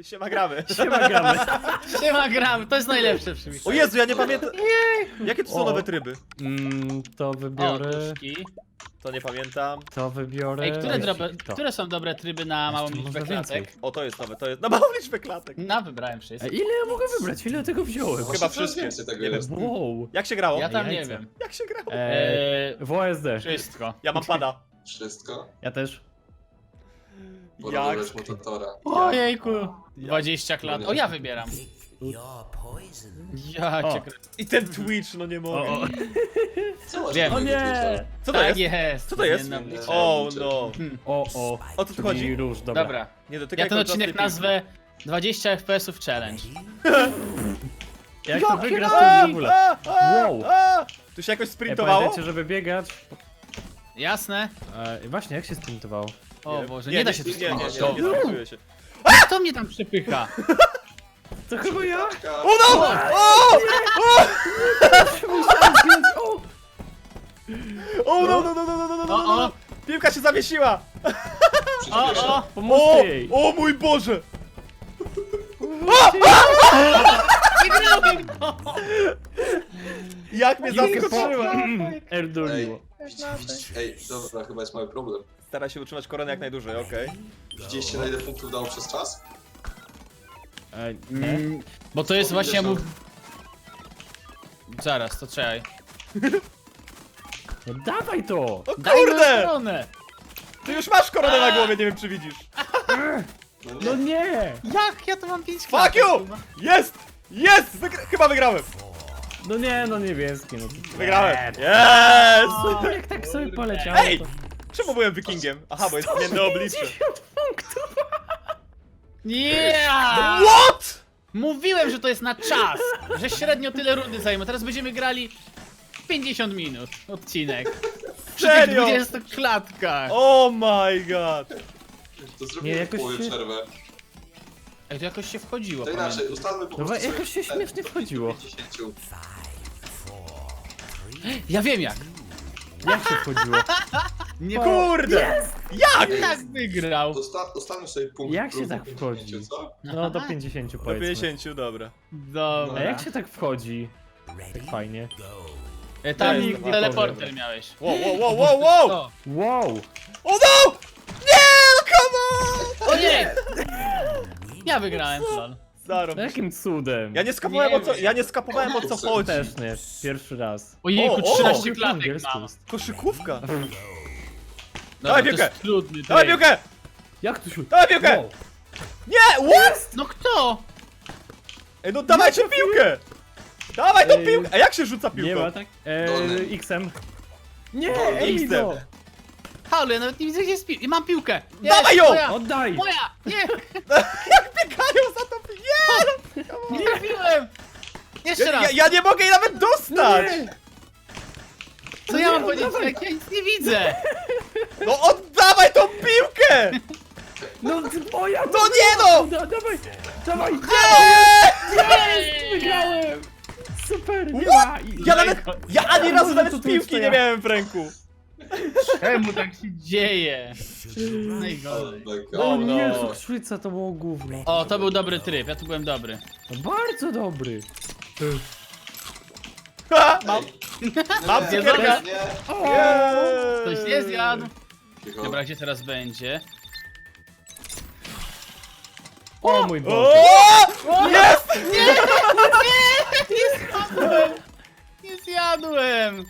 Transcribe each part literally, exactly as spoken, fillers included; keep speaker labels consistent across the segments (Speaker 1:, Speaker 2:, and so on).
Speaker 1: Siema gramy.
Speaker 2: Siema gramy.
Speaker 3: Siema gram, to jest najlepsze przy
Speaker 1: O Jezu, ja nie pamiętam. Jakie to są
Speaker 2: O.
Speaker 1: nowe tryby?
Speaker 2: Mm, to
Speaker 3: O,
Speaker 2: wybiorę.
Speaker 3: duszki.
Speaker 1: To nie pamiętam.
Speaker 2: To wybiorę.
Speaker 3: Ej, które, drobe,
Speaker 2: To.
Speaker 3: które są dobre tryby na małą
Speaker 2: Jeszcze
Speaker 3: liczbę
Speaker 2: można
Speaker 3: klatek?
Speaker 2: więcej.
Speaker 1: O, to jest nowe, to jest. Na małą liczbę klatek.
Speaker 3: No, wybrałem wszystkie.
Speaker 2: Ej, ile ja mogę wybrać? Ile tego wziąłem?
Speaker 1: Chyba wszystkie.
Speaker 4: Więcej tego
Speaker 1: Nie wiem.
Speaker 4: jest.
Speaker 2: Wow.
Speaker 1: Jak się grało?
Speaker 3: Ja tam nie
Speaker 2: Jajca.
Speaker 3: wiem.
Speaker 1: Jak się grało?
Speaker 2: Eee,
Speaker 3: Eee,
Speaker 2: w O S D.
Speaker 3: wszystko.
Speaker 1: Ja mam pada.
Speaker 4: Wszystko?
Speaker 2: Ja też.
Speaker 4: Pora
Speaker 1: Jak?
Speaker 4: wybrać mutatora.
Speaker 3: Ojejku. dwadzieścia klat. O, ja wybieram. Ja
Speaker 2: O.
Speaker 3: cię krę...
Speaker 1: I ten Twitch, no nie
Speaker 2: O,
Speaker 1: mogę.
Speaker 2: o.
Speaker 4: Co masz
Speaker 3: Wiem.
Speaker 4: takiego
Speaker 2: O nie!
Speaker 4: Twitcha?
Speaker 1: Co to
Speaker 3: Tak
Speaker 1: jest?
Speaker 3: jest.
Speaker 1: Co to jest?
Speaker 3: Zmienną liczbę.
Speaker 1: O no.
Speaker 2: O, o.
Speaker 1: O co tu
Speaker 2: Czyli
Speaker 1: chodzi?
Speaker 2: róż, dobra.
Speaker 3: Dobra.
Speaker 1: Nie dotykaj
Speaker 3: Ja ten
Speaker 1: kolczastej
Speaker 3: odcinek
Speaker 1: piłki.
Speaker 3: nazwę dwadzieścia F P S-ów challenge.
Speaker 2: Jak to wygra,
Speaker 1: A,
Speaker 2: to w ogóle.
Speaker 1: a, a,
Speaker 2: Wow.
Speaker 1: a. Tu się jakoś
Speaker 2: Ej,
Speaker 1: sprintowało?
Speaker 2: pamiętajcie, żeby biegać.
Speaker 3: Jasne?
Speaker 2: E, właśnie, jak się sprintowało?
Speaker 3: O Boże, nie, da się tu
Speaker 1: Nie, nie, nie, nie,
Speaker 3: sprintować.
Speaker 1: nie, nie sprintuje się.
Speaker 3: Kto mnie tam przepycha?
Speaker 2: To chyba ja?
Speaker 1: O no! O!
Speaker 2: Musiałem zdjąć, o!
Speaker 1: O no, no, no, no, no, no, no, no,
Speaker 3: O,
Speaker 1: no.
Speaker 3: o,
Speaker 1: Piłka się zawiesiła!
Speaker 3: o, o!
Speaker 2: Pomóżcie jej!
Speaker 1: O mój Boże!
Speaker 3: Wygrałem to!
Speaker 1: Jak mnie
Speaker 2: Jakie
Speaker 1: zaskoczyła!
Speaker 2: Erdoliło.
Speaker 4: Ej, dobra, chyba jest mały problem.
Speaker 1: Stara się utrzymać koronę jak najdłużej, okej.
Speaker 4: Widzieliście na ile punktów dało przez czas?
Speaker 2: E, nie?
Speaker 3: Mm, bo to jest właśnie mu... Zaraz, to czekaj.
Speaker 2: No dawaj to!
Speaker 1: O
Speaker 3: Daj mi
Speaker 1: kurde!
Speaker 3: koronę!
Speaker 1: Ty już masz koronę na głowie, nie wiem czy widzisz.
Speaker 4: No
Speaker 2: No
Speaker 4: nie.
Speaker 2: nie!
Speaker 3: Jak? Ja to mam pięć
Speaker 1: Fuck
Speaker 3: klatek,
Speaker 1: you!
Speaker 3: kurwa.
Speaker 1: Jest! Jest! Wygra chyba wygrałem!
Speaker 2: No nie, no niebieski, no.
Speaker 1: Wygrałem!
Speaker 2: Nie.
Speaker 1: Jest!
Speaker 2: O, jak tak sobie poleciało.
Speaker 1: Ej!
Speaker 2: to-
Speaker 1: Czemu byłem wikingiem? Aha, bo jest zmienne oblicze.
Speaker 2: punktów!
Speaker 3: Yeah!
Speaker 1: What?!
Speaker 3: Mówiłem, że to jest na czas! Że średnio tyle rundy zajmę. Teraz będziemy grali pięćdziesiąt minut odcinek. Przy tych
Speaker 1: Serio?
Speaker 3: dwudziestu klatkach.
Speaker 1: Oh my god!
Speaker 4: To
Speaker 2: Nie,
Speaker 4: zrobimy
Speaker 2: jakoś
Speaker 4: połowę
Speaker 2: się-
Speaker 4: przerwę.
Speaker 3: Ej, to jakoś się wchodziło.
Speaker 4: To inaczej,
Speaker 3: pamiętam.
Speaker 4: ustalmy po
Speaker 2: No
Speaker 4: prostu
Speaker 2: jakoś się
Speaker 4: sobie
Speaker 2: śmiesznie wchodziło.
Speaker 4: pięćdziesiąt.
Speaker 3: Ja wiem jak.
Speaker 2: Jak się wchodziło?
Speaker 3: Nie
Speaker 1: Kurde! Jak?!
Speaker 3: tak wygrał.
Speaker 4: Usta ustalmy sobie punkt.
Speaker 2: Jak się
Speaker 4: próby
Speaker 2: tak
Speaker 4: pięćdziesiąt,
Speaker 2: wchodzi?
Speaker 4: co?
Speaker 2: No do pięćdziesięciu
Speaker 1: Do
Speaker 2: powiedzmy.
Speaker 1: pięćdziesięciu, dobra.
Speaker 3: Dobra.
Speaker 2: A jak się tak wchodzi? Tak fajnie.
Speaker 3: E, Tam
Speaker 1: Ja jestem
Speaker 3: teleporter
Speaker 1: dobra.
Speaker 3: miałeś.
Speaker 1: Wow, wow, wow, wow, wow!
Speaker 3: O,
Speaker 2: Wow!
Speaker 1: O no! Nie! No come on!
Speaker 3: o nie! Ja wygrałem, lol.
Speaker 1: Zarob.
Speaker 2: No jakim cudem?
Speaker 1: Ja nie skapowałem
Speaker 3: Nie
Speaker 1: o co,
Speaker 3: wiem.
Speaker 1: ja nie skapowałem o co chodzi.
Speaker 2: Też nie, pierwszy raz.
Speaker 3: Ojejku,
Speaker 1: O, o!
Speaker 3: trzynaście
Speaker 2: Po
Speaker 3: klatek
Speaker 2: angielsku
Speaker 3: mam.
Speaker 2: jest.
Speaker 1: Koszykówka.
Speaker 3: Dobra,
Speaker 1: Dawaj
Speaker 3: to jest
Speaker 1: piłkę.
Speaker 3: trudny
Speaker 1: Dawaj
Speaker 3: tryb.
Speaker 1: piłkę!
Speaker 2: Jak tu się...
Speaker 1: Dawaj piłkę!
Speaker 2: Wow.
Speaker 1: Nie! What?!
Speaker 3: No kto?
Speaker 1: Ej, no dawajcie piłkę! Dawaj tą
Speaker 2: Ej,
Speaker 1: piłkę! A jak się rzuca
Speaker 2: Nie ma
Speaker 1: piłką?
Speaker 2: tak?
Speaker 4: Dolny.
Speaker 2: Eee, X-em. Nie,
Speaker 4: Dolny.
Speaker 2: Ej, no.
Speaker 3: Halo, ja nawet nie widzę gdzie jest piłka. I mam piłkę.
Speaker 1: Dawaj ją!
Speaker 3: Moja!
Speaker 2: Oddaj!
Speaker 3: Moja! Nie!
Speaker 1: Jak biegają za tą piłkę? Nie!
Speaker 3: Nie trafiłem! Jeszcze
Speaker 1: Ja,
Speaker 3: raz!
Speaker 1: ja, ja nie mogę jej nawet dostać!
Speaker 2: Nie.
Speaker 3: Co ja mam
Speaker 2: nie,
Speaker 3: powiedzieć,
Speaker 2: oddawaj.
Speaker 3: jak ja nic nie widzę?
Speaker 1: No oddawaj tą piłkę!
Speaker 2: No ty- moja!
Speaker 1: No nie no!
Speaker 2: Da, dawaj! Dawaj!
Speaker 1: Nie!
Speaker 2: Wygrałem! Super! Nie
Speaker 1: What?
Speaker 2: ma! I-
Speaker 1: Ja nawet, ja ani razu
Speaker 2: Może
Speaker 1: nawet
Speaker 2: to tu
Speaker 1: piłki
Speaker 2: jest
Speaker 1: nie
Speaker 2: ja.
Speaker 1: miałem w ręku.
Speaker 3: Czemu tak się dzieje?
Speaker 4: Oh
Speaker 3: Najgorzej.
Speaker 4: my god.
Speaker 2: O
Speaker 1: no.
Speaker 2: nie, cukrzyca to było gówno.
Speaker 3: O, to był dobry tryb, ja tu byłem dobry.
Speaker 2: No bardzo dobry.
Speaker 1: Ha, mam.
Speaker 4: Ej.
Speaker 1: Mam
Speaker 4: Nie,
Speaker 1: cukierka.
Speaker 4: nie, nie.
Speaker 3: Ktoś nie zjadł.
Speaker 4: Cicho.
Speaker 3: Dobra, gdzie teraz będzie?
Speaker 2: O mój
Speaker 1: O!
Speaker 2: Boże.
Speaker 1: Jest!
Speaker 3: Nie zjadłem! Nie zjadłem!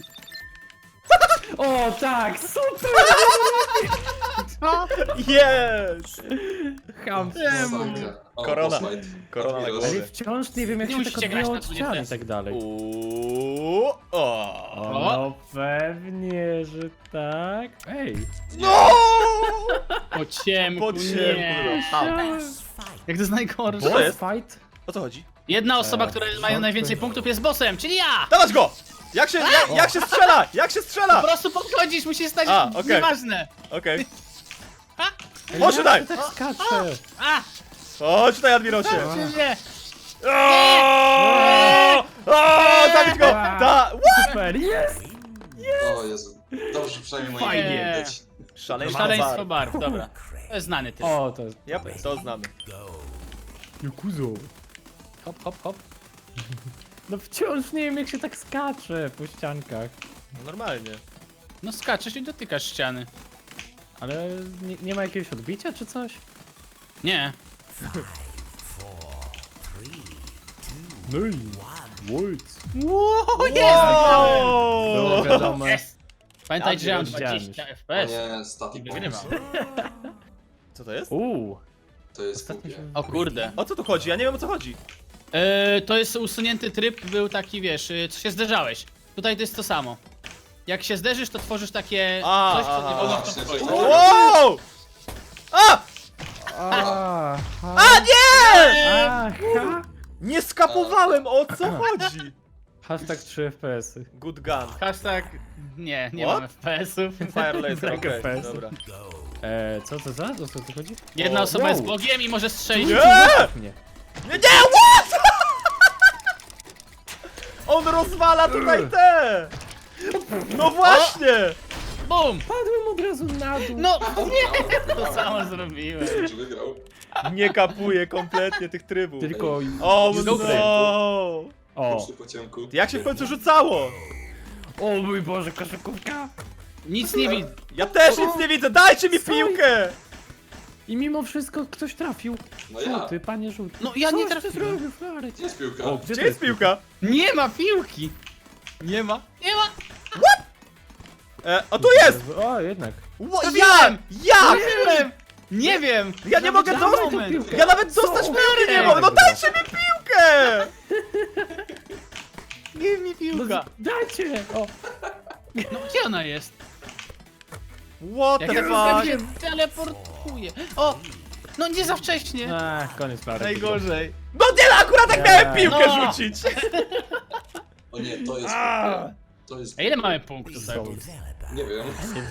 Speaker 2: O tak, super!
Speaker 3: Co?
Speaker 1: Jest!
Speaker 2: Ham.
Speaker 4: Masakra. O,
Speaker 1: Korona.
Speaker 4: offside.
Speaker 1: Korona na
Speaker 4: Admiros.
Speaker 1: głowie.
Speaker 2: Ale wciąż nie wiem jak
Speaker 3: Nie
Speaker 2: się tak
Speaker 3: musicie grać
Speaker 2: odbijało
Speaker 3: na
Speaker 2: od
Speaker 3: dwudziestce.
Speaker 2: ścian i tak dalej.
Speaker 1: Uuu, o.
Speaker 2: O, no pewnie, że tak. Ej!
Speaker 1: No!
Speaker 3: Po ciemku,
Speaker 1: Po ciemku,
Speaker 3: nie.
Speaker 1: dobra.
Speaker 3: Jak to jest najgorsze?
Speaker 1: Co to jest?
Speaker 2: Fight?
Speaker 1: O co chodzi?
Speaker 3: Jedna osoba, która
Speaker 2: Eee,
Speaker 3: ma najwięcej punktów jest bossem, czyli ja!
Speaker 1: Dawać go! Jak się, jak, jak się strzela? Jak się
Speaker 3: Po
Speaker 1: strzela?
Speaker 3: prostu podchodzisz, musisz stać,
Speaker 1: A, okej.
Speaker 3: nieważne.
Speaker 1: Okej.
Speaker 2: Ej,
Speaker 1: Chodź
Speaker 2: jak
Speaker 1: tutaj!
Speaker 2: się tak skacze?
Speaker 3: A,
Speaker 1: Chodź tutaj, Admirosie!
Speaker 3: czy nie?
Speaker 1: O! O! Zabić go! Da!
Speaker 2: Super, jest!
Speaker 4: O Jezu. Dobrze, że przynajmniej moje
Speaker 3: Fajnie.
Speaker 4: imię widać.
Speaker 1: Szaleństwo
Speaker 3: Szaleństwo
Speaker 1: bar.
Speaker 3: barw, dobra. To jest znany typ.
Speaker 2: O, to jest...
Speaker 1: Yep, to znamy.
Speaker 2: Jukuzo.
Speaker 3: Hop, hop, hop.
Speaker 2: No wciąż nie wiem jak się tak skacze po ściankach.
Speaker 1: No normalnie.
Speaker 3: No skaczesz i dotykasz ściany.
Speaker 2: Ale nie, nie ma jakiegoś odbicia czy coś?
Speaker 3: Nie.
Speaker 2: No i... Wojc.
Speaker 3: O, jest!
Speaker 2: Było wiadome.
Speaker 3: Jest! Pamiętajcie, że mam
Speaker 2: Widziałem.
Speaker 3: dwadzieścia
Speaker 4: O
Speaker 3: F P S.
Speaker 4: nie, static
Speaker 3: I wygrywam.
Speaker 4: bombs.
Speaker 1: Co to jest?
Speaker 2: Uuu.
Speaker 4: To jest
Speaker 2: Ostatnio
Speaker 4: głupie.
Speaker 2: się...
Speaker 3: O kurde.
Speaker 1: O co tu chodzi? Ja nie wiem o co chodzi.
Speaker 3: Yy, to jest usunięty tryb, był taki, wiesz, yy, co się zderzałeś. Tutaj to jest to samo. Jak się zderzysz, to tworzysz takie
Speaker 1: A,
Speaker 3: coś, co
Speaker 1: aha.
Speaker 3: nie wolno
Speaker 4: A,
Speaker 3: w to
Speaker 4: się
Speaker 3: wchodzić.
Speaker 4: coś-
Speaker 1: Wow! A!
Speaker 2: A,
Speaker 1: A nie!
Speaker 2: Aha.
Speaker 1: Nie skapowałem, o co chodzi?
Speaker 2: Hashtag trzy F P S-y.
Speaker 1: Good gun.
Speaker 3: Hashtag... Nie, nie
Speaker 1: What?
Speaker 3: mam F P S-ów.
Speaker 1: Fire laser,
Speaker 2: Brak
Speaker 1: okej,
Speaker 2: F P S.
Speaker 1: dobra.
Speaker 2: Eee, co to za? O co tu chodzi?
Speaker 3: Jedna
Speaker 1: O,
Speaker 3: osoba
Speaker 2: wow.
Speaker 3: jest Bogiem i może strzelić.
Speaker 1: Nie!
Speaker 2: Nie.
Speaker 1: Nie, nie, what? On rozwala tutaj te! No właśnie!
Speaker 3: Bum!
Speaker 2: Padłem od razu na dół.
Speaker 3: No nie! To samo zrobiłem.
Speaker 4: Czy wygrał?
Speaker 1: Nie kapuje kompletnie tych trybów.
Speaker 2: Tylko...
Speaker 1: O
Speaker 2: Jest
Speaker 1: no!
Speaker 2: dobry. O.
Speaker 4: Poszły po ciemku.
Speaker 1: Jak się w końcu rzucało?
Speaker 2: O mój Boże, koszykówka.
Speaker 3: Nic nie widzę.
Speaker 1: Ja też nic nie widzę, dajcie mi
Speaker 2: Co?
Speaker 1: piłkę!
Speaker 2: I mimo wszystko ktoś trafił.
Speaker 4: No ja.
Speaker 2: Żółty, panie żółty.
Speaker 3: No ja nie
Speaker 2: Coś ty
Speaker 3: trafiłem.
Speaker 2: zrobił, Florek?
Speaker 4: Gdzie jest piłka?
Speaker 2: O,
Speaker 1: Gdzie jest piłka?
Speaker 3: Nie ma piłki! Nie ma. Nie ma!
Speaker 1: E, o tu jest!
Speaker 2: O, jednak.
Speaker 1: Ło,
Speaker 3: To
Speaker 1: ja!
Speaker 3: wiem!
Speaker 1: Ja!
Speaker 3: Nie wiem! Nie wiem!
Speaker 1: Ja nie mogę
Speaker 3: Nawet na
Speaker 1: dostać
Speaker 3: moment.
Speaker 2: piłkę.
Speaker 1: Ja nawet dostać
Speaker 2: Co?
Speaker 1: piłki nie mogę! No dajcie mi piłkę!
Speaker 3: Nie mi
Speaker 2: No,
Speaker 3: piłka!
Speaker 2: dajcie! O,
Speaker 3: No gdzie ona jest?
Speaker 1: What
Speaker 3: Jak
Speaker 1: the
Speaker 3: ja
Speaker 1: fuck?
Speaker 3: się teleportuję. O! No nie za wcześnie!
Speaker 2: Ach, koniec Florek.
Speaker 3: Najgorzej.
Speaker 1: No nie, akurat jak miałem
Speaker 2: Nie.
Speaker 1: piłkę
Speaker 3: No.
Speaker 1: rzucić!
Speaker 4: O nie, to jest
Speaker 1: A.
Speaker 4: głupie. To jest
Speaker 3: A ile
Speaker 4: głupie.
Speaker 3: mamy punktów?
Speaker 2: Są.
Speaker 4: Nie wiem.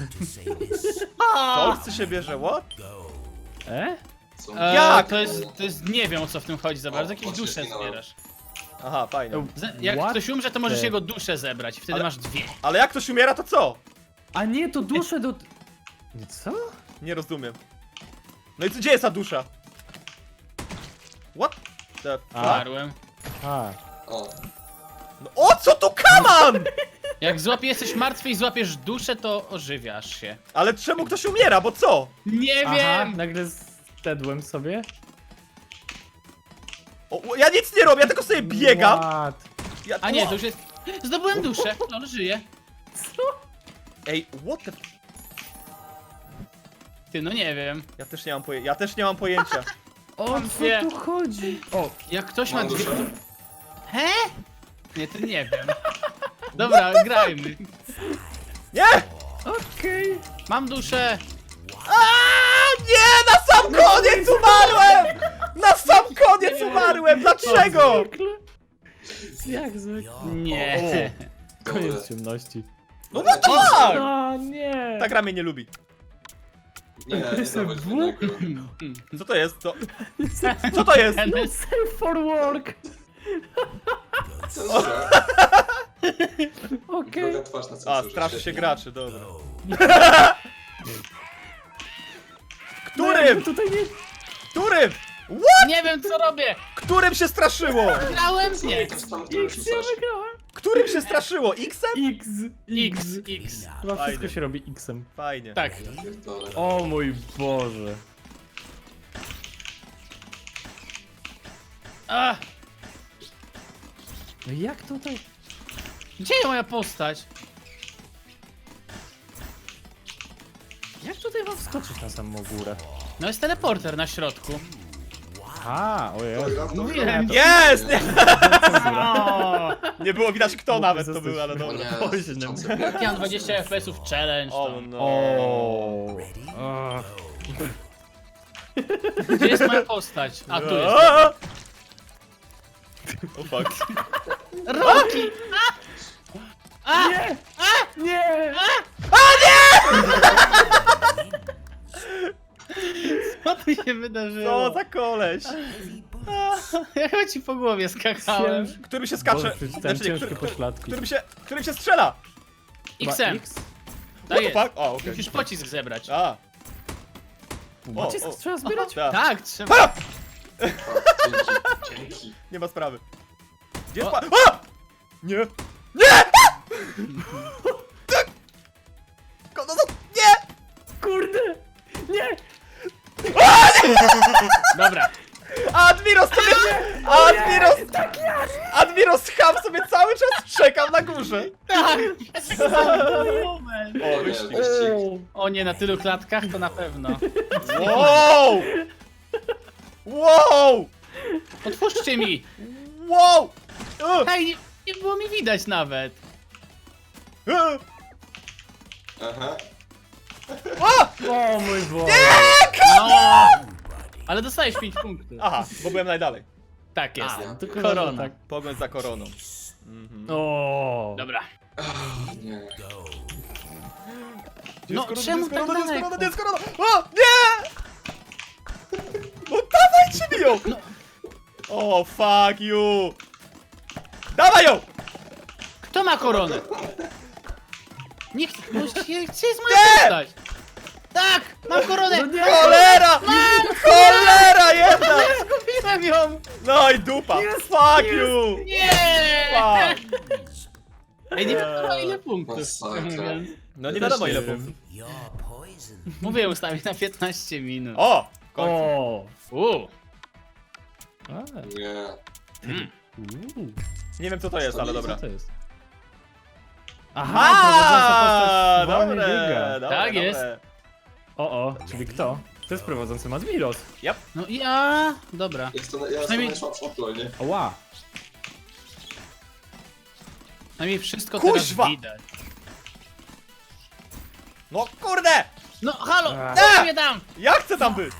Speaker 1: Co chce się bierze, what?
Speaker 2: E?
Speaker 4: Są...
Speaker 3: E,
Speaker 1: Jak?
Speaker 3: To jest, to jest, nie wiem o co w tym chodzi za bardzo,
Speaker 4: O,
Speaker 3: jakieś
Speaker 4: o, się
Speaker 3: dusze
Speaker 4: zginąłem.
Speaker 3: zbierasz.
Speaker 1: Aha, fajnie.
Speaker 3: Ze- Jak
Speaker 2: What
Speaker 3: ktoś umrze, to możesz
Speaker 2: the-
Speaker 3: jego duszę zebrać i wtedy
Speaker 1: Ale-
Speaker 3: masz dwie.
Speaker 1: Ale jak ktoś umiera, to co?
Speaker 2: A nie, to duszę do... Nie, co?
Speaker 1: Nie rozumiem. No i co, gdzie jest ta dusza? What the fuck?
Speaker 3: Umarłem.
Speaker 2: A.
Speaker 4: O,
Speaker 1: No, o co tu kaman?
Speaker 3: Jak złapie, jesteś martwy i złapiesz duszę, to ożywiasz się.
Speaker 1: Ale czemu ktoś umiera, bo co?
Speaker 3: Nie
Speaker 2: Aha,
Speaker 3: wiem!
Speaker 2: nagle stedłem sobie.
Speaker 1: O, o, ja nic nie robię, ja tylko sobie biegam.
Speaker 2: What?
Speaker 1: Ja,
Speaker 3: A nie, to już jest... Zdobyłem duszę, no żyje.
Speaker 2: Co?
Speaker 1: Ej, what the...
Speaker 3: Ty, no nie wiem.
Speaker 1: Ja też nie mam pojęcia, ja też nie mam pojęcia.
Speaker 2: O co
Speaker 3: Wie.
Speaker 2: tu chodzi? O,
Speaker 3: Jak ktoś ma
Speaker 4: mam
Speaker 3: dwie...
Speaker 4: duszę.
Speaker 3: He? Nie, to nie wiem. Dobra, grajmy.
Speaker 1: Nie!
Speaker 2: okej.
Speaker 3: Mam duszę.
Speaker 1: A nie, na sam koniec umarłem! Na sam koniec umarłem, dlaczego?
Speaker 2: Jak zwykle.
Speaker 3: Nie.
Speaker 2: Koniec ciemności.
Speaker 1: No what the fuck?
Speaker 2: O nie!
Speaker 1: Ta gra mnie nie lubi.
Speaker 4: nie, nie
Speaker 2: Jestem
Speaker 4: dawać
Speaker 2: w-
Speaker 4: jednego.
Speaker 1: Co to jest? Co, co to jest?
Speaker 2: No safe for work!
Speaker 4: Cenzura.
Speaker 2: Okej.
Speaker 4: Druga twarz na
Speaker 1: A,
Speaker 4: cenzurze.
Speaker 1: straszy się
Speaker 4: świetnie.
Speaker 1: graczy, dobra.
Speaker 2: No,
Speaker 1: Którym?
Speaker 2: tutaj nie...
Speaker 1: Którym?
Speaker 3: Nie wiem co robię.
Speaker 1: Którym się straszyło?
Speaker 3: Grałem? Nie.
Speaker 4: To jest tam, który
Speaker 2: X, ja
Speaker 4: rzucasz.
Speaker 2: wygrałem!
Speaker 1: Którym się straszyło? X-em?
Speaker 2: X,
Speaker 3: X,
Speaker 2: X.
Speaker 3: X.
Speaker 2: Chyba wszystko
Speaker 1: Fajnie.
Speaker 2: się robi X-em.
Speaker 1: Fajnie.
Speaker 3: Tak.
Speaker 4: Pierdolę.
Speaker 2: O mój Boże.
Speaker 3: A,
Speaker 2: No jak tutaj?
Speaker 3: gdzie jest moja postać?
Speaker 2: Jak tutaj mam wskoczyć na samą górę?
Speaker 3: No jest teleporter na środku.
Speaker 2: A, ojej.
Speaker 4: Dobra, dobra.
Speaker 3: Mówiłem.
Speaker 1: Jest! Nie,
Speaker 3: O,
Speaker 1: nie było widać kto
Speaker 2: Mógłby
Speaker 1: nawet to
Speaker 2: zostać-
Speaker 1: był, ale
Speaker 4: O
Speaker 1: dobra.
Speaker 4: nie,
Speaker 2: Oj,
Speaker 4: tysiące
Speaker 2: nie.
Speaker 3: ja mam dwadzieścia F P S-ów challenge.
Speaker 1: O
Speaker 3: tam.
Speaker 1: no.
Speaker 2: O. Ach.
Speaker 3: Gdzie jest moja postać? A tu jest.
Speaker 1: A! O fuck.
Speaker 3: Roki!
Speaker 2: Nie! Nie!
Speaker 3: Co tu się wydarzyło?
Speaker 1: Co za koleś?
Speaker 3: Ja chyba ci po głowie skakałem.
Speaker 2: Cięż-
Speaker 1: Którym się skacze?
Speaker 2: Boże, przeczytałem
Speaker 1: nie,
Speaker 2: ciężkie
Speaker 1: który-
Speaker 2: pośladki.
Speaker 1: Którym się, którym się strzela?
Speaker 2: Chyba
Speaker 3: X-em.
Speaker 2: X?
Speaker 3: Tak
Speaker 1: What
Speaker 3: jest.
Speaker 1: the fuck? O, okej.
Speaker 3: Musisz pocisk zebrać.
Speaker 1: A,
Speaker 2: Pocisk
Speaker 1: o.
Speaker 2: trzeba zbierać?
Speaker 1: tak.
Speaker 3: Tak, trzeba.
Speaker 1: A!
Speaker 4: Tak, dzięki.
Speaker 1: Nie ma sprawy. Gdzie jest pa... A! Nie! Nie! Tak! Ko- No, no, nie!
Speaker 2: Kurde! Nie!
Speaker 3: Dobra.
Speaker 1: Admiros sobie... Admiros... Admiros Ham sobie cały czas czekam na górze.
Speaker 3: Tak!
Speaker 1: O,
Speaker 4: O nie,
Speaker 1: wyścig.
Speaker 4: wyścig.
Speaker 3: O nie, na tylu klatkach to na pewno.
Speaker 1: Wow! Wow!
Speaker 3: Otwórzcie mi!
Speaker 1: Wow! Uh,
Speaker 3: Hej, nie, nie było mi widać nawet.
Speaker 1: uh.
Speaker 4: Aha.
Speaker 1: O!
Speaker 2: O mój Boże!
Speaker 3: No! Ale dostajesz pięć punktów.
Speaker 1: Aha, bo byłem najdalej.
Speaker 3: Tak jest.
Speaker 2: A, tylko
Speaker 3: Korona.
Speaker 2: tak.
Speaker 1: Pogoń za koroną. Mhm.
Speaker 2: O.
Speaker 3: Dobra.
Speaker 4: Nie.
Speaker 1: Gdzie
Speaker 3: No,
Speaker 1: jest korona,
Speaker 3: czemu
Speaker 1: gdzie jest
Speaker 3: tak
Speaker 1: korona, gdzie jest korona,
Speaker 3: daleko?
Speaker 1: gdzie jest korona? O, nie! No dawajcie mi ją! O, fuck you! Dawaj ją!
Speaker 3: Kto ma koronę? Niech, no, gdzie gdzie jest moja
Speaker 1: Nie!
Speaker 3: postać? Tak! Mam koronę!
Speaker 2: No nie!
Speaker 1: Cholera! Cholera jedna!
Speaker 3: Zgubiłem ją!
Speaker 1: No i dupa!
Speaker 2: Jest,
Speaker 1: Fuck
Speaker 2: jest.
Speaker 1: you!
Speaker 3: Nie!
Speaker 1: Fuck!
Speaker 3: Ej, nie wiadomo ile punktów.
Speaker 4: Masakra.
Speaker 3: mówiąc.
Speaker 1: No nie
Speaker 2: Też
Speaker 1: wiadomo
Speaker 2: nie
Speaker 1: ile
Speaker 2: wiem.
Speaker 1: punktów.
Speaker 3: Mówię ustawić na piętnaście minut.
Speaker 1: O! w końcu.
Speaker 2: O.
Speaker 3: Uuu.
Speaker 2: A,
Speaker 4: Nie.
Speaker 3: Mm.
Speaker 2: uuu.
Speaker 1: Nie wiem co to jest, ale dobra.
Speaker 2: Co to jest?
Speaker 1: A,
Speaker 2: prowadząca postać wolniej
Speaker 1: dobre,
Speaker 2: biega.
Speaker 1: dobre,
Speaker 3: Tak jest.
Speaker 1: dobre.
Speaker 2: O, o, czyli kto? To jest prowadzący Admiros.
Speaker 3: No ja... Dobra.
Speaker 4: Jest to, ja jestem
Speaker 3: Przynajmniej-
Speaker 4: najsłabszy aktualnie.
Speaker 2: Oła.
Speaker 3: Przynajmniej wszystko
Speaker 1: Kuźwa!
Speaker 3: teraz widać.
Speaker 1: No kurde!
Speaker 3: No halo!
Speaker 2: A.
Speaker 3: Co mnie tam?
Speaker 1: Ja chcę tam być!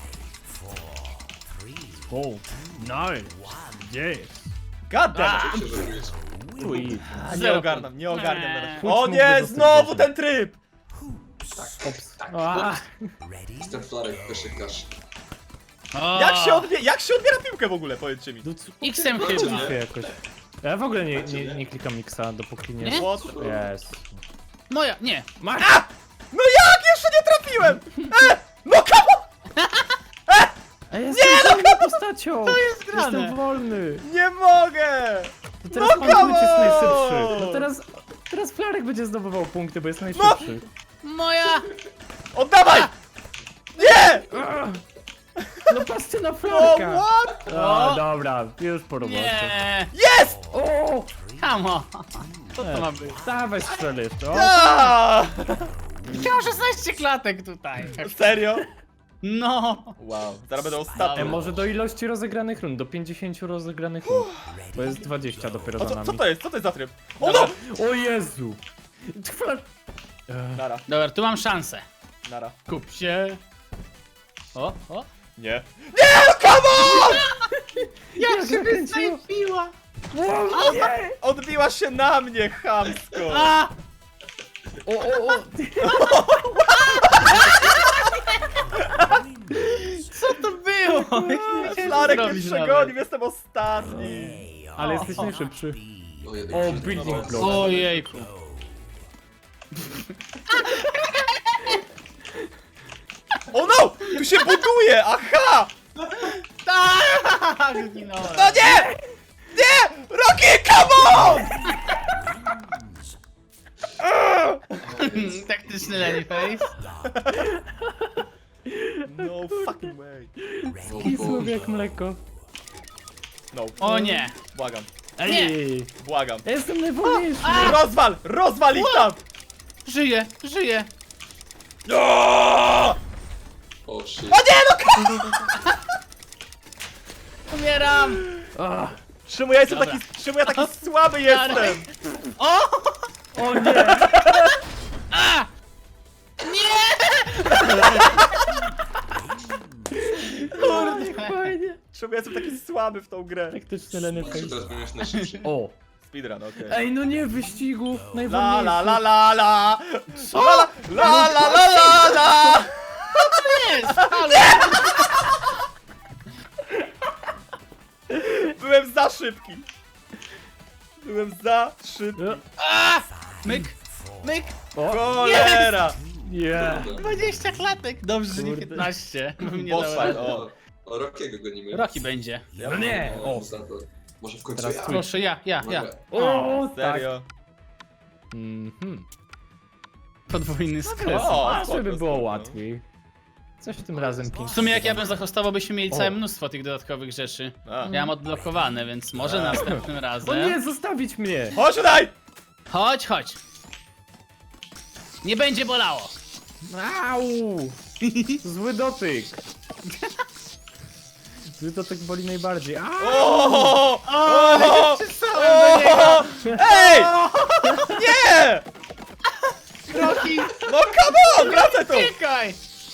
Speaker 2: O. Nine. Gdzie jest?
Speaker 1: God damn it.
Speaker 4: Wiecie, że jest.
Speaker 2: Tweet.
Speaker 1: A, nie
Speaker 3: Zero
Speaker 1: ogarnam, nie
Speaker 3: punktów.
Speaker 1: ogarniam
Speaker 3: Eee.
Speaker 1: teraz.
Speaker 2: Chuć
Speaker 1: O
Speaker 2: mógłby
Speaker 1: nie,
Speaker 2: zostać
Speaker 1: znowu
Speaker 2: potem.
Speaker 1: ten tryb!
Speaker 2: Ops.
Speaker 4: Tak.
Speaker 2: A,
Speaker 4: Jestem flarek koszykarz.
Speaker 3: O,
Speaker 1: Jak się, odbie jak się odbiera piłkę w ogóle, powiedzcie mi?
Speaker 2: do co-
Speaker 3: X-em
Speaker 4: No,
Speaker 3: chyba.
Speaker 4: nie.
Speaker 2: się jakoś. Ja w ogóle nie, nie, nie klikam Mixa, dopóki nie...
Speaker 3: Nie?
Speaker 1: What?
Speaker 2: Jest.
Speaker 3: Moja, nie.
Speaker 2: Masz!
Speaker 1: A! No jak? Jeszcze nie trafiłem! E! No come on!
Speaker 2: A ja jestem nie, wolną postacią! To
Speaker 3: jest grane.
Speaker 2: Jestem wolny!
Speaker 1: Nie mogę!
Speaker 2: To teraz
Speaker 1: No
Speaker 2: pan
Speaker 1: come
Speaker 2: jest
Speaker 1: on!
Speaker 2: najszybszy. No teraz... Teraz Flarek będzie zdobywał punkty, bo jest najszybszy.
Speaker 3: Moja!
Speaker 1: Oddawaj! Nie!
Speaker 2: Ah! No patrzcie na
Speaker 1: O,
Speaker 2: Flarka!
Speaker 1: what?
Speaker 2: O,
Speaker 3: O!
Speaker 2: dobra, już po robocie.
Speaker 3: Nie!
Speaker 1: Jest!
Speaker 2: O!
Speaker 3: Come on! Co to ma być?
Speaker 2: Dawaj strzel jeszcze. O,
Speaker 1: A!
Speaker 3: Chciałem szesnaście klatek tutaj.
Speaker 1: Serio?
Speaker 3: No!
Speaker 1: Wow, zaraz będę
Speaker 2: E,
Speaker 1: ostatni.
Speaker 2: może do ilości rozegranych rund, do pięćdziesięciu rozegranych rund. Bo jest dwadzieścia dopiero
Speaker 1: O,
Speaker 2: za
Speaker 1: co,
Speaker 2: nami.
Speaker 1: co to jest? Co to jest za tryb? O no!
Speaker 2: O Jezu! Flar... E,
Speaker 1: Nara,
Speaker 3: Dobra, tu mam szansę.
Speaker 1: nara.
Speaker 3: Kup się. O, o.
Speaker 1: Nie. Nie, no come on!
Speaker 3: Jak się
Speaker 2: zakręciło.
Speaker 3: wysnajpiła!
Speaker 2: o, nie!
Speaker 1: Odbiła się na mnie, chamsko!
Speaker 3: A!
Speaker 2: O, o, o!
Speaker 3: Co to było?
Speaker 1: Flarek mnie
Speaker 3: Zrobić
Speaker 1: przegonił,
Speaker 3: nawet.
Speaker 1: jestem ostatni.
Speaker 2: Ale jesteś najszybszy.
Speaker 4: O, jeden
Speaker 2: O,
Speaker 4: krzyk.
Speaker 2: building block.
Speaker 3: Ojejku.
Speaker 1: O no! Tu się buduje! Aha!
Speaker 3: Tak! Zginąłem.
Speaker 1: No nie! Nie! Rocky, come on!
Speaker 3: Taktyczny Lenny Face.
Speaker 1: No fucking way.
Speaker 4: O,
Speaker 2: Kisło
Speaker 4: Boże.
Speaker 2: jak mleko.
Speaker 1: No.
Speaker 3: O nie!
Speaker 1: Błagam,
Speaker 2: Ej!
Speaker 1: błagam.
Speaker 2: Ja jestem najwolniejszy!
Speaker 1: Rozwal! Rozwal ich tam!
Speaker 3: Żyję, żyję.
Speaker 1: O
Speaker 4: O, shit.
Speaker 1: nie, no!
Speaker 3: Umieram!
Speaker 2: Ah,
Speaker 1: Czemu ja jestem
Speaker 3: Dobra.
Speaker 1: taki, czemu ja taki słaby jestem?
Speaker 3: O!
Speaker 2: o nie!
Speaker 3: A! Nie! Kurde.
Speaker 2: Fajnie!
Speaker 1: Czemu ja jestem taki słaby w tą grę?
Speaker 2: Taktyczny Lenny
Speaker 4: Czy
Speaker 2: Face.
Speaker 4: teraz będziesz najszybszy?
Speaker 2: O!
Speaker 1: Speedrun, okej.
Speaker 2: Ej, no nie, w wyścigu!
Speaker 1: La
Speaker 2: Najwolniejszy!
Speaker 1: la la la la!
Speaker 3: Co?
Speaker 1: La la la la la la!
Speaker 3: Jest! Halo!
Speaker 1: Byłem za szybki. Byłem za szybki.
Speaker 3: A! Myk! Myk!
Speaker 2: O!
Speaker 1: Cholera!
Speaker 2: Nie!
Speaker 3: dwadzieścia klatek! Dobrze, że nie
Speaker 2: Kurde.
Speaker 3: piętnaście. Bym nie
Speaker 1: Boss
Speaker 3: dał
Speaker 1: fight,
Speaker 3: rady.
Speaker 1: o.
Speaker 4: O, Rockiego gonimy.
Speaker 3: Rocky będzie.
Speaker 2: No nie! O!
Speaker 4: Za to. Może w końcu
Speaker 2: Teraz
Speaker 4: ja.
Speaker 2: twój.
Speaker 3: Proszę, ja, ja, ja.
Speaker 4: Dobra.
Speaker 2: O, tak.
Speaker 1: Serio?
Speaker 2: Mhm.
Speaker 3: Podwójny skres.
Speaker 1: O,
Speaker 2: A,
Speaker 1: spoko,
Speaker 2: żeby było
Speaker 1: spoko.
Speaker 2: łatwiej. Coś w tym razem
Speaker 3: W
Speaker 2: pięknie.
Speaker 3: sumie jak ja bym zahostował, byśmy mieli
Speaker 2: O.
Speaker 3: całe mnóstwo tych dodatkowych rzeczy.
Speaker 1: A.
Speaker 3: Ja mam odblokowane, więc może następnym
Speaker 2: O
Speaker 3: razem.
Speaker 2: nie, zostawić mnie!
Speaker 1: Chodź tutaj!
Speaker 3: Chodź, chodź. Nie będzie bolało.
Speaker 2: Au! Zły dotyk. Zły dotyk boli najbardziej. A!
Speaker 1: O! O!
Speaker 3: O, przysłałem do niego.
Speaker 1: Ej! Nie!
Speaker 3: Rocky,
Speaker 1: No come on, wracaj tu!
Speaker 3: uciekaj!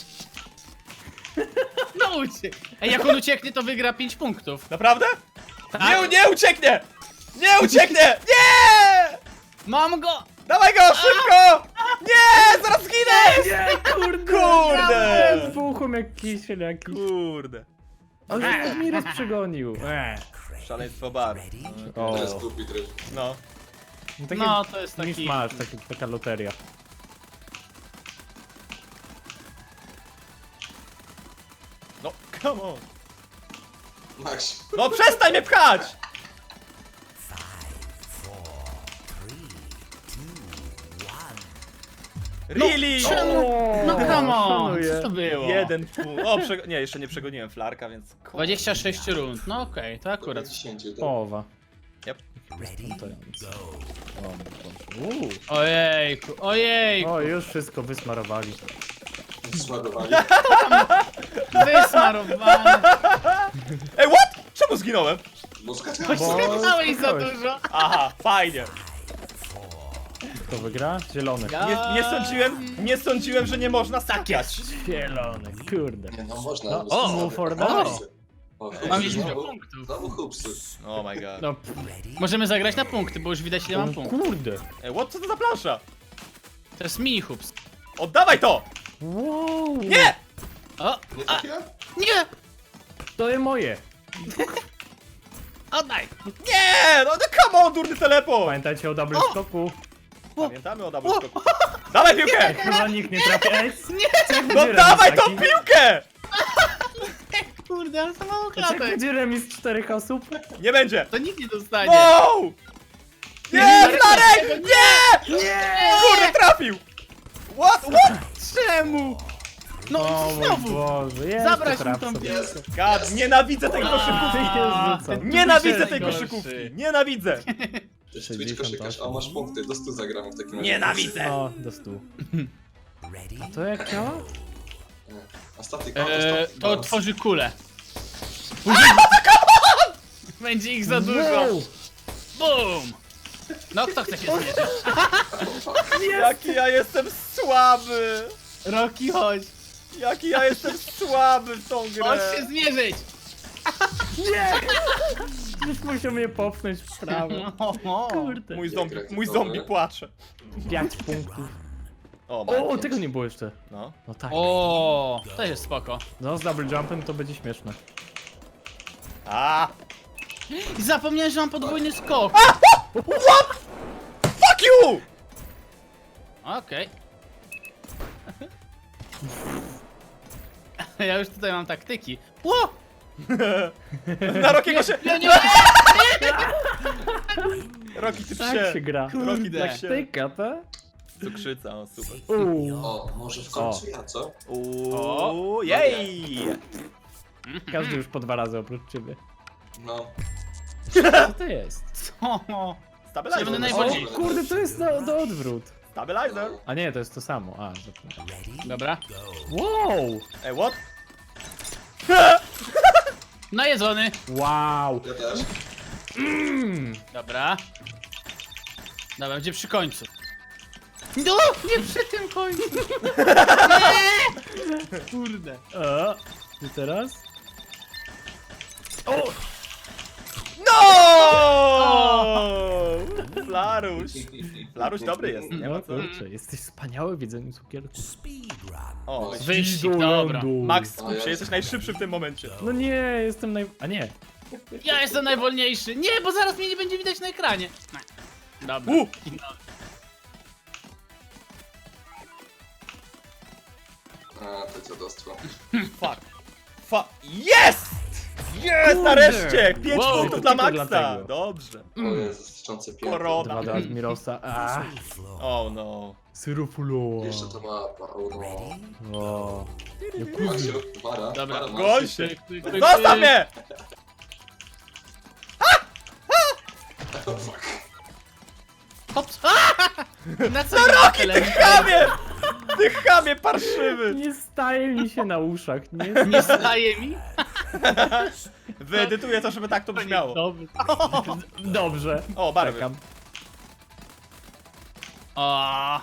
Speaker 3: No uciek. Ej, jak on ucieknie, to wygra pięć punktów.
Speaker 1: Naprawdę?
Speaker 3: Tak.
Speaker 1: Nie, nie ucieknie! Nie ucieknie! Nie!
Speaker 3: Mam go!
Speaker 1: Dawaj go, szybko! Nie, zaraz zginę!
Speaker 2: Nie, kurde!
Speaker 1: Kurde!
Speaker 2: Wybuchłem jak kisiel jakiś.
Speaker 1: Kurde.
Speaker 2: Ale Admiros przegonił. Eee.
Speaker 1: Szaleństwo bar.
Speaker 2: O.
Speaker 4: To jest głupi tryb.
Speaker 1: No.
Speaker 2: No, takie
Speaker 3: No, to jest
Speaker 2: niż
Speaker 3: taki...
Speaker 2: masz, taki, taka loteria.
Speaker 1: No, come on.
Speaker 4: Max.
Speaker 1: No przestań mnie pchać! Really?
Speaker 3: Czemu? No come on,
Speaker 2: szanuję.
Speaker 3: co to było?
Speaker 1: Jeden punkt. O, przego- nie, jeszcze nie przegoniłem flarka, więc... kurde.
Speaker 3: dwadzieścia sześć rund, no okej, to akurat.
Speaker 4: dziesięć.
Speaker 2: Połowa.
Speaker 1: Yep.
Speaker 2: Wystarczająco. O, Uuu.
Speaker 3: Ojejku, ojejku,
Speaker 2: O, już wszystko wysmarowali.
Speaker 4: Zładowali.
Speaker 3: wysmarowany.
Speaker 1: Ej, what? Czemu zginąłem?
Speaker 4: Mózga
Speaker 2: Bo-
Speaker 3: Skakałeś za
Speaker 2: skakałeś.
Speaker 3: dużo.
Speaker 1: Aha, fajnie.
Speaker 2: Kto wygra? Zielony.
Speaker 3: Ja-
Speaker 1: Nie, nie sądziłem, nie sądziłem, że nie można skakać.
Speaker 2: Zielony, kurde.
Speaker 4: Nie no, można.
Speaker 2: No,
Speaker 4: mózga
Speaker 2: o,
Speaker 4: sobie.
Speaker 2: for
Speaker 4: O,
Speaker 2: now.
Speaker 4: hupsy. O, hupsy.
Speaker 3: Mam jeszcze
Speaker 4: Znowu-
Speaker 3: punktów.
Speaker 4: Znowu hupsy.
Speaker 1: Oh my god.
Speaker 2: No, pff,
Speaker 3: Możemy zagrać na punkty, bo już widać ile mam
Speaker 2: o,
Speaker 3: punktów.
Speaker 2: kurde.
Speaker 1: Ej, what? Co to za plansza?
Speaker 3: To jest mini hoops.
Speaker 1: Oddawaj to!
Speaker 2: Wow.
Speaker 1: Nie!
Speaker 3: O,
Speaker 4: Nie
Speaker 3: a,
Speaker 4: trafiłem?
Speaker 3: nie!
Speaker 2: To jest moje.
Speaker 3: Oddaj!
Speaker 1: Nie! No, no come on, durny teleport!
Speaker 2: Pamiętajcie o double
Speaker 3: O!
Speaker 2: skoku.
Speaker 1: Pamiętamy o double skoku. Dawaj piłkę!
Speaker 2: Chyba nikt nie trafi. Ej,
Speaker 3: Nie!
Speaker 1: No dawaj tą piłkę!
Speaker 3: Kurde, ale to mało
Speaker 2: Jak
Speaker 3: klatek.
Speaker 2: będzie remis czterech osób?
Speaker 1: Nie będzie!
Speaker 3: To nikt nie dostanie.
Speaker 1: No! Nie, Flarek! Nie!
Speaker 2: Nie!
Speaker 1: Kurde, trafił! What? What?
Speaker 3: Czemu? No
Speaker 2: O mój
Speaker 3: znowu!
Speaker 2: Boże, jest
Speaker 3: Zabrać
Speaker 2: to
Speaker 3: mi
Speaker 2: traf
Speaker 3: tą
Speaker 2: sobie.
Speaker 3: piłkę.
Speaker 1: God, nienawidzę tej
Speaker 2: Ty
Speaker 1: koszykówki!
Speaker 2: się rzucam.
Speaker 1: Nienawidzę
Speaker 3: jest
Speaker 1: tej
Speaker 3: najgorszy.
Speaker 1: koszykówki! Nienawidzę!
Speaker 4: To jest Twitch koszykarz,
Speaker 2: sześćdziesiąt
Speaker 4: a
Speaker 2: osiem.
Speaker 4: masz punkty, do stu zagramy w takim razie.
Speaker 1: Nienawidzę!
Speaker 2: O, do stu. A to jak działa?
Speaker 4: A statyk,
Speaker 3: Eee, to
Speaker 4: balans.
Speaker 3: tworzy kulę. Później... Będzie ich za dużo.
Speaker 2: Wow!
Speaker 3: Bum! No kto chce się zmierzyć?
Speaker 1: Jaki ja jestem słaby!
Speaker 3: Rocky, chodź.
Speaker 1: Jaki ja jestem słaby w tą
Speaker 3: Chodź
Speaker 1: grę!
Speaker 3: się zmierzyć.
Speaker 2: Nie! Już musiał mnie popchnąć w prawo. Kurde.
Speaker 1: Mój zombie,
Speaker 4: Jak
Speaker 1: mój
Speaker 4: rakietowy.
Speaker 1: zombie płacze.
Speaker 2: Pięć punktów.
Speaker 1: O,
Speaker 2: O,
Speaker 1: ma.
Speaker 2: tego nie było jeszcze.
Speaker 1: No.
Speaker 2: No tak.
Speaker 3: O, to jest spoko.
Speaker 2: No z double jumpem to będzie śmieszne.
Speaker 1: A!
Speaker 3: I zapomniałem, że mam podwójny skok.
Speaker 1: Fuck you!
Speaker 3: Okej. Ja już tutaj mam taktyki. Ło!
Speaker 1: Na Rokiego się...
Speaker 3: Nie, nie,
Speaker 1: Roki, ty
Speaker 2: Tak się
Speaker 1: psie!
Speaker 2: gra.
Speaker 1: Roki,
Speaker 3: Kurde.
Speaker 1: tak się...
Speaker 2: Tyka, to?
Speaker 1: Cukrzyca, o super.
Speaker 2: Uuu.
Speaker 4: O, może w końcu ja, co?
Speaker 1: Uuu, jej!
Speaker 2: Każdy już po dwa razy oprócz ciebie.
Speaker 4: No.
Speaker 2: Co to jest?
Speaker 3: co?
Speaker 1: Stabilizer.
Speaker 3: Będę
Speaker 2: O,
Speaker 3: najbardziej-
Speaker 2: kurde, to jest do, do odwrót.
Speaker 1: Stabilizer.
Speaker 2: A nie, to jest to samo. A, zapomniałem.
Speaker 3: Dobra.
Speaker 2: Wow!
Speaker 1: Ej, what?
Speaker 3: Najedzony.
Speaker 2: Wow!
Speaker 4: Ja też.
Speaker 3: Dobra. Dobra, będzie przy końcu. No, nie przy tym końcu. Nie! Kurde.
Speaker 2: A, i teraz? O!
Speaker 1: No! Flaruś. Flaruś dobry jest, nie ma
Speaker 2: No
Speaker 1: co.
Speaker 2: kurczę, jesteś wspaniały w jedzeniu cukierku.
Speaker 1: O,
Speaker 3: Wyścig, dobra.
Speaker 1: Max,
Speaker 4: O,
Speaker 1: skup się,
Speaker 4: jest.
Speaker 1: jesteś najszybszy w tym momencie.
Speaker 2: No nie, jestem naj... A nie.
Speaker 3: Ja jestem najwolniejszy. Nie, bo zaraz mnie nie będzie widać na ekranie. Dobra.
Speaker 1: U!
Speaker 4: A, to dziadostwo.
Speaker 1: Fuck. Fuck. Jest! Jest, nareszcie! Pięć
Speaker 3: Wow,
Speaker 1: punktów
Speaker 2: to
Speaker 1: dla
Speaker 2: tylko
Speaker 1: Maxa!
Speaker 2: dlatego.
Speaker 1: Dobrze.
Speaker 4: O Jezus, tyczące piękne.
Speaker 1: Korona.
Speaker 2: Dwa do Admirosa. A,
Speaker 1: Oh no.
Speaker 2: syrofulowa.
Speaker 4: Jeszcze to mapa, o no.
Speaker 2: O.
Speaker 4: Maksiu, Wara,
Speaker 3: Dobra.
Speaker 4: Wara,
Speaker 1: Goń się!
Speaker 3: Tyk, tyk, tyk,
Speaker 1: Zostaw
Speaker 3: tyk.
Speaker 1: mnie!
Speaker 4: Oh, fuck.
Speaker 3: Hops. A! Na co no
Speaker 1: Roki, ty chamie! Ty chamie parszywy!
Speaker 2: Nie staje mi się na uszach, nie?
Speaker 3: Nie staje mi?
Speaker 1: Wyedytuję to, żeby tak to brzmiało.
Speaker 2: Dobrze. Dobrze.
Speaker 1: O, barwy.
Speaker 2: Czekam.
Speaker 3: O,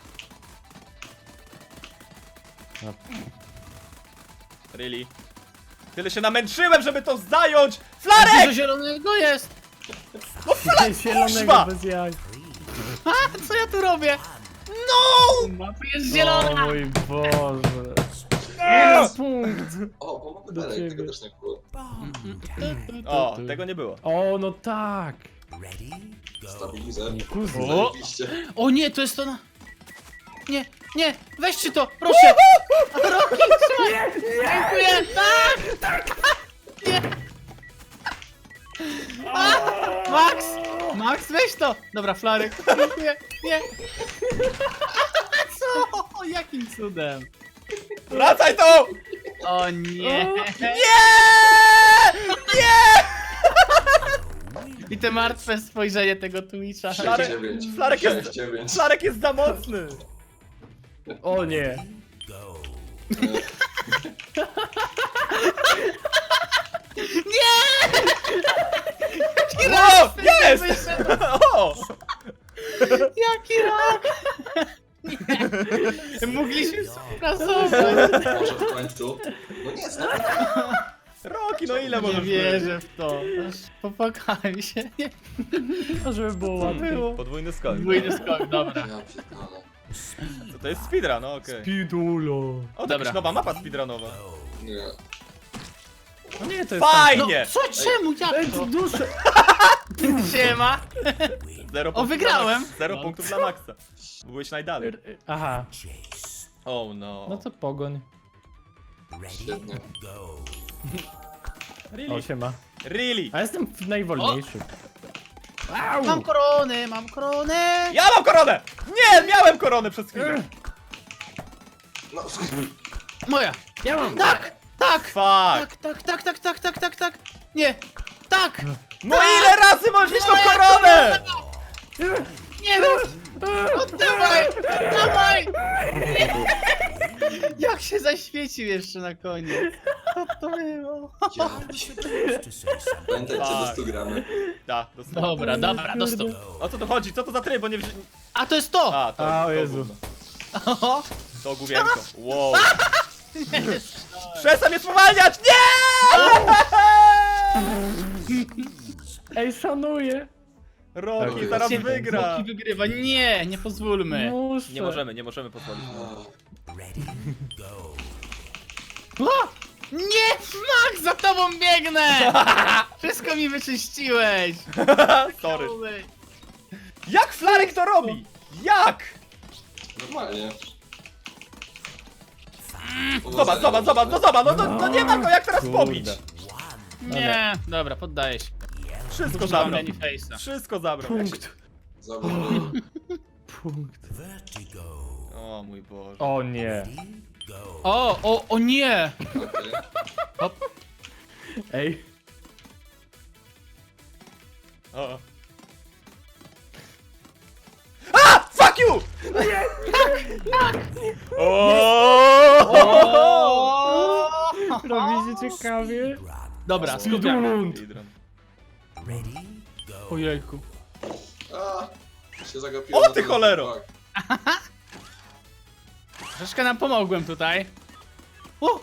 Speaker 1: Really? Tyle się namęczyłem, żeby to zająć!
Speaker 3: dużo
Speaker 1: Flarek!
Speaker 3: zielonego jest.
Speaker 2: Zielonego
Speaker 1: Kuźwa!
Speaker 2: bez jaj.
Speaker 3: A, co ja tu robię?
Speaker 1: No!
Speaker 3: Mapa jest
Speaker 2: O
Speaker 3: zielona.
Speaker 2: mój Boże. Jeden punkt.
Speaker 4: O, bo mamy
Speaker 2: Do
Speaker 4: dalej,
Speaker 2: ciebie.
Speaker 4: tego też nie było.
Speaker 1: O, tego nie było.
Speaker 2: O, no tak.
Speaker 4: Stabilizer.
Speaker 2: Nie kuzy.
Speaker 3: O.
Speaker 4: Zajebiście.
Speaker 3: O nie, to jest to na... Nie, nie, weźcie to, proszę! Roki, trzymaj! Dziękuję! Tak! Nie! A! Max! Max, weź to! Dobra, Flarek, dziękuję, nie! Co? Jakim cudem?
Speaker 1: Wracaj tu!
Speaker 3: O nie!
Speaker 1: Nie! Nie!
Speaker 3: I te martwe spojrzenie tego Twitcha.
Speaker 1: Flarek-
Speaker 4: sześć dziewięć.
Speaker 1: Flarek jest-
Speaker 4: sześć dziewięć.
Speaker 1: Flarek jest za mocny!
Speaker 2: O nie.
Speaker 3: Jaki
Speaker 1: O!
Speaker 3: rak!
Speaker 1: Jest!
Speaker 3: Wyszedł.
Speaker 1: O!
Speaker 3: Jaki rak! Nie. Mogliśmy współpracować.
Speaker 4: Może w końcu. No nie, znowu.
Speaker 1: Roki, no ile
Speaker 3: Nie
Speaker 1: możesz
Speaker 3: wierzę w to. Aż popłakałem się. Nie.
Speaker 2: A żeby było łatwiej.
Speaker 1: być? Podwójny skok.
Speaker 3: Dwójny skok, dobra.
Speaker 4: Ja pierdolę.
Speaker 1: Co to jest speedrun, no okej.
Speaker 2: Pidulo.
Speaker 1: O, to
Speaker 3: Dobra.
Speaker 1: jakaś nowa mapa speedrunowa.
Speaker 4: Nie.
Speaker 2: No nie, to jest
Speaker 3: No,
Speaker 1: Fajnie!
Speaker 3: co, czemu, jak
Speaker 2: Ej,
Speaker 3: to?
Speaker 2: duszę.
Speaker 3: Siema.
Speaker 1: Zero
Speaker 3: O,
Speaker 1: punktów
Speaker 3: wygrałem.
Speaker 1: Dla Maxa. Zero
Speaker 3: No.
Speaker 1: punktów dla Maxa. Byłeś najdalej.
Speaker 2: Aha.
Speaker 1: Oh no.
Speaker 2: No to pogoń.
Speaker 4: Świetnie.
Speaker 1: Really?
Speaker 2: O, siema.
Speaker 1: Really?
Speaker 2: A jestem najwolniejszy.
Speaker 3: Mam koronę, mam koronę.
Speaker 1: Ja mam koronę! Nie, miałem koronę przez chwilę.
Speaker 4: No,
Speaker 3: Moja.
Speaker 2: Ja mam.
Speaker 3: Tak, tak.
Speaker 1: Fuck.
Speaker 3: Tak, tak, tak, tak, tak, tak, tak, tak. Nie. Tak.
Speaker 1: No ile razy możesz mieć tą koronę?
Speaker 3: Nie rób. Oddawaj. Oddawaj. Nie. Jak się zaświecił jeszcze na koniec. Co to było?
Speaker 4: ja. Pamiętajcie, do
Speaker 1: Tak.
Speaker 4: stu gramy.
Speaker 1: Da, dostałem.
Speaker 3: Dobra, dobra, dostał.
Speaker 1: O co tu chodzi? Co to za tryb? Bo nie wzi...
Speaker 3: A to jest to.
Speaker 1: A, to,
Speaker 2: A, o
Speaker 1: to
Speaker 2: Jezu.
Speaker 1: gówno.
Speaker 3: Oho.
Speaker 1: To główienko. Wow.
Speaker 3: Nie.
Speaker 1: Przestań mnie spowalniać! Nie!
Speaker 2: Ej, szanuję.
Speaker 1: Rocky
Speaker 4: Rocky
Speaker 1: zaraz
Speaker 2: Nie,
Speaker 1: wygra.
Speaker 3: Rocky wygrywa. Nie, nie pozwólmy.
Speaker 2: Muszę.
Speaker 1: Nie możemy, nie możemy pozwolić.
Speaker 3: O! Nie! Max, za tobą biegnę! Wszystko mi wyczyściłeś!
Speaker 1: Sorry. Jak Flarek to robi? Jak?
Speaker 4: Normalnie.
Speaker 1: Zobacz, zobacz, zobacz, no zobacz, no, no, no nie ma go jak teraz
Speaker 2: Kurde.
Speaker 1: pobić.
Speaker 3: Nie, dobra, poddaję się.
Speaker 1: Wszystko
Speaker 3: Mam
Speaker 1: zabrał.
Speaker 3: many face'a.
Speaker 1: Wszystko zabrał.
Speaker 2: Punkt.
Speaker 4: Zobacz.
Speaker 2: Punkt.
Speaker 1: O mój Boże.
Speaker 2: O nie.
Speaker 3: O, o, o nie!
Speaker 4: Okej.
Speaker 2: Ej.
Speaker 1: O. A! Fuck you! O!
Speaker 3: O!
Speaker 2: Robi się ciekawie.
Speaker 3: Dobra, skupiam.
Speaker 1: Speedrun.
Speaker 3: Ojejku.
Speaker 4: A, się zagapiłem.
Speaker 1: O,
Speaker 4: na
Speaker 1: ty
Speaker 4: ten-
Speaker 1: cholero!
Speaker 4: tak.
Speaker 3: Troszkę nam pomogłem tutaj. O!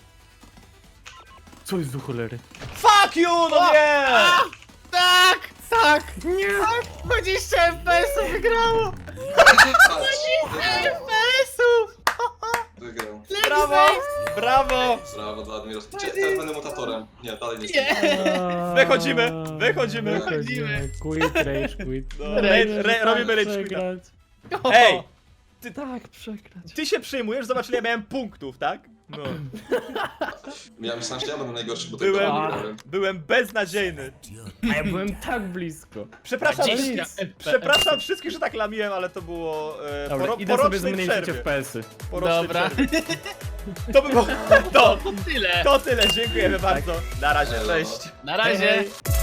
Speaker 2: Co jest do cholery?
Speaker 1: Fuck you, no nie!
Speaker 3: Tak! Tak! Nie! Tak! dwadzieścia F P S-ów wygrało!
Speaker 4: Patrz,
Speaker 3: F P S-ów!
Speaker 4: wygrał.
Speaker 1: Brawo! Brawo!
Speaker 4: Brawo dla Admiros. Cie- Teraz będę mutatorem. Nie, dalej nie
Speaker 3: Nie!
Speaker 4: jestem.
Speaker 1: Wychodzimy, wychodzimy.
Speaker 2: Wychodzimy. Quit, rage, quit.
Speaker 1: No, re- re- robimy rage quita.
Speaker 2: Przegrać.
Speaker 1: Ej!
Speaker 2: Tak, przegrać.
Speaker 1: Ty się przyjmujesz, zobacz ile ja miałem punktów, tak? No.
Speaker 4: Ja myślałem, że ja będę najgorszy, bo
Speaker 1: Byłem,
Speaker 4: tego nie grałem.
Speaker 1: byłem beznadziejny.
Speaker 2: A ja byłem tak blisko.
Speaker 1: Przepraszam,
Speaker 3: dwadzieścia
Speaker 1: wszystkich-
Speaker 3: F P S.
Speaker 1: przepraszam wszystkich, że tak lamiłem, ale to było e,
Speaker 2: Dobra,
Speaker 1: poro,
Speaker 2: idę sobie
Speaker 1: porocznej
Speaker 2: zmniejszyć
Speaker 1: przerwie.
Speaker 2: F P S-y.
Speaker 1: Porocznej
Speaker 3: Dobra.
Speaker 1: przerwie. To by było... To,
Speaker 3: Tyle.
Speaker 1: to tyle, dziękujemy bardzo. Na razie,
Speaker 4: Elo.
Speaker 1: cześć.
Speaker 3: Na razie.
Speaker 2: Hej, hej.